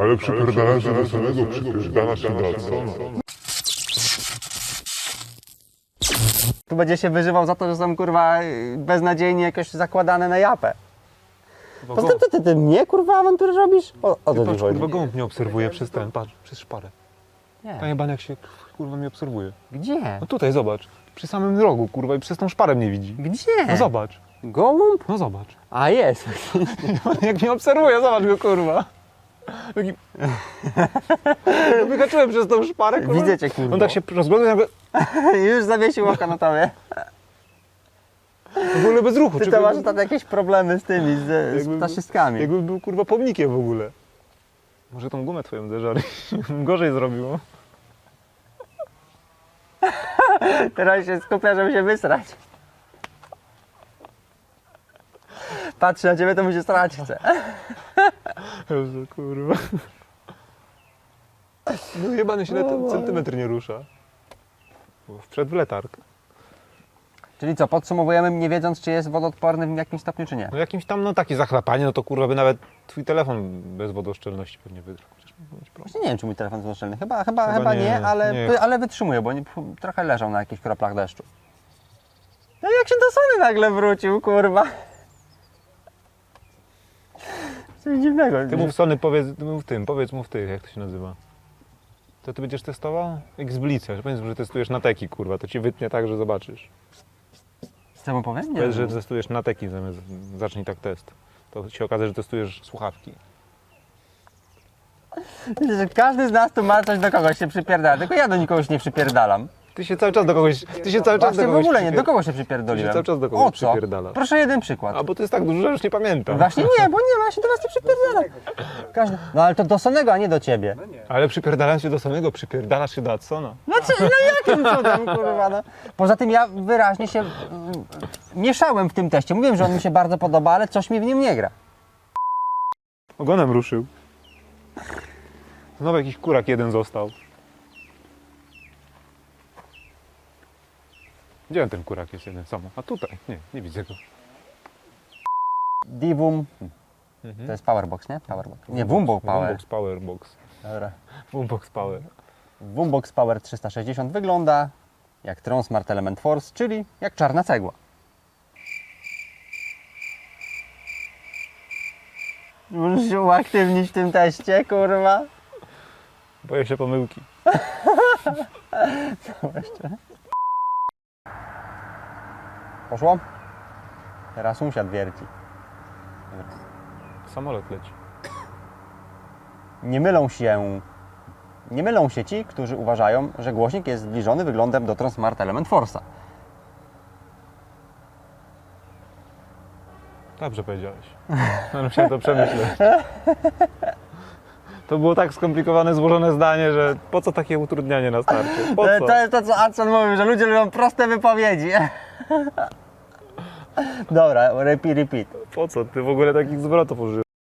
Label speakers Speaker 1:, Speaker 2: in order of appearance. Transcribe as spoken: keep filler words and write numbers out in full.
Speaker 1: Ale przypierdalasz się do samego, przypierdalasz się do Adsona.
Speaker 2: Tu będzie się wyżywał za to, że są kurwa beznadziejnie jakoś zakładane na japę. Poza tym, ty, ty, ty mnie kurwa awantury robisz? O, o to
Speaker 3: Patrz,
Speaker 2: ci chodzi.
Speaker 3: kurwa, gołąb mnie obserwuje przez ten, patrz, przez szparę.
Speaker 2: Nie.
Speaker 3: Panie Baniak się, kurwa, mnie obserwuje.
Speaker 2: Gdzie?
Speaker 3: No tutaj, zobacz. Przy samym rogu, kurwa, i przez tą szparę mnie widzi.
Speaker 2: Gdzie?
Speaker 3: No zobacz,
Speaker 2: Gołąb?
Speaker 3: no zobacz.
Speaker 2: A jest.
Speaker 3: Jak mnie obserwuje, zobacz go, kurwa. Taki... Ja wyhaczyłem przez tą szparę, kurwa.
Speaker 2: Widzę cię, kurwa.
Speaker 3: On tak się rozgląda, jakby
Speaker 2: Już zawiesił oko na tobie.
Speaker 3: w ogóle bez ruchu.
Speaker 2: Ty
Speaker 3: Czy
Speaker 2: to
Speaker 3: jakby-
Speaker 2: masz tam jakieś problemy z tymi, z, z
Speaker 3: jakby-
Speaker 2: ptaszystkami.
Speaker 3: Jakby był, kurwa, pomnikiem w ogóle. Może tą gumę twoją zeżarł. Gorzej zrobiło.
Speaker 2: Teraz się skupia, żeby się wysrać. Patrzy na ciebie, to mu się strać chce.
Speaker 3: Jezu, kurwa. No jebany się na centymetr nie rusza. Bo Wszedł w letarg.
Speaker 2: Czyli co, podsumowujemy nie wiedząc, czy jest wodoodporny w jakimś stopniu, czy nie?
Speaker 3: No jakimś tam, no takie zachlapanie, no to kurwa by nawet twój telefon bez wodoszczelności pewnie wydrał. Chociaż mógł być problem.
Speaker 2: Właśnie nie wiem, czy mój telefon jest wodoszczelny. Chyba, chyba, chyba,
Speaker 3: Chyba
Speaker 2: nie,
Speaker 3: nie,
Speaker 2: ale,
Speaker 3: nie.
Speaker 2: ale wytrzymuje, bo nie, trochę leżał na jakichś kroplach deszczu. No jak się do Sony nagle wrócił, kurwa. Coś dziwnego.
Speaker 3: Ty mów Sony, powiedz, ty mów tym, powiedz mu w tych, jak to się nazywa. To ty będziesz testował? X-Blica, że powiedz, że testujesz na teki, kurwa, to ci wytnie tak, że zobaczysz.
Speaker 2: Co mu powiem? Nie
Speaker 3: Powiedz,
Speaker 2: wiem.
Speaker 3: że testujesz na teki, zamiast zacznij tak test. To się okaże, że testujesz słuchawki.
Speaker 2: Że każdy z nas tu ma coś do kogoś się przypierdala, tylko ja do nikogoś nie przypierdalam.
Speaker 3: Ty się cały czas do kogoś, ty się cały czas
Speaker 2: Właśnie
Speaker 3: do
Speaker 2: w
Speaker 3: kogoś
Speaker 2: ogóle nie, do
Speaker 3: przypier-
Speaker 2: kogo się
Speaker 3: Ty się
Speaker 2: przypierdoliłem?
Speaker 3: cały czas do kogoś
Speaker 2: O co?
Speaker 3: przypierdalasz.
Speaker 2: Proszę jeden przykład.
Speaker 3: A bo to jest tak dużo, że już nie pamiętam.
Speaker 2: Właśnie nie, bo nie ma, ja się do was nie przypierdalam. Każdy... No ale to do Sonego, a nie do ciebie.
Speaker 3: Ale przypierdalasz się do samego, przypierdalasz się do Adsona.
Speaker 2: No, co, no jakim cudem, kurwa, no. Poza tym ja wyraźnie się mm, mieszałem w tym teście. Mówiłem, że on mi się bardzo podoba, ale coś mi w nim nie gra.
Speaker 3: Ogonem ruszył. Znowu jakiś kurak jeden został. Gdzie ten kurak jest jeden samo? A tutaj. Nie, nie widzę go.
Speaker 2: Divum, to jest Powerbox, nie? Powerbox. Nie, Wumbox Power.
Speaker 3: Wumbox Power Box.
Speaker 2: Dobra.
Speaker 3: Wumbox Power.
Speaker 2: Wumbox Power trzysta sześćdziesiąt wygląda jak Tron Smart Element Force, czyli jak czarna cegła. Możesz się uaktywnić w tym teście, kurwa.
Speaker 3: Boję się pomyłki.
Speaker 2: Poszło? Teraz sąsiad wierci.
Speaker 3: Samolot leci.
Speaker 2: Nie mylą się, nie mylą się ci, którzy uważają, że głośnik jest zbliżony wyglądem do Tron Smart Element Force'a.
Speaker 3: Dobrze powiedziałeś. Ale musiałem to przemyśleć. To było tak skomplikowane, złożone zdanie, że po co takie utrudnianie na starcie? Po
Speaker 2: To,
Speaker 3: co?
Speaker 2: to jest to, co Adson mówił, że ludzie lubią proste wypowiedzi. Dobra, repeat, repeat.
Speaker 3: Po co? Ty w ogóle takich zwrotów używasz.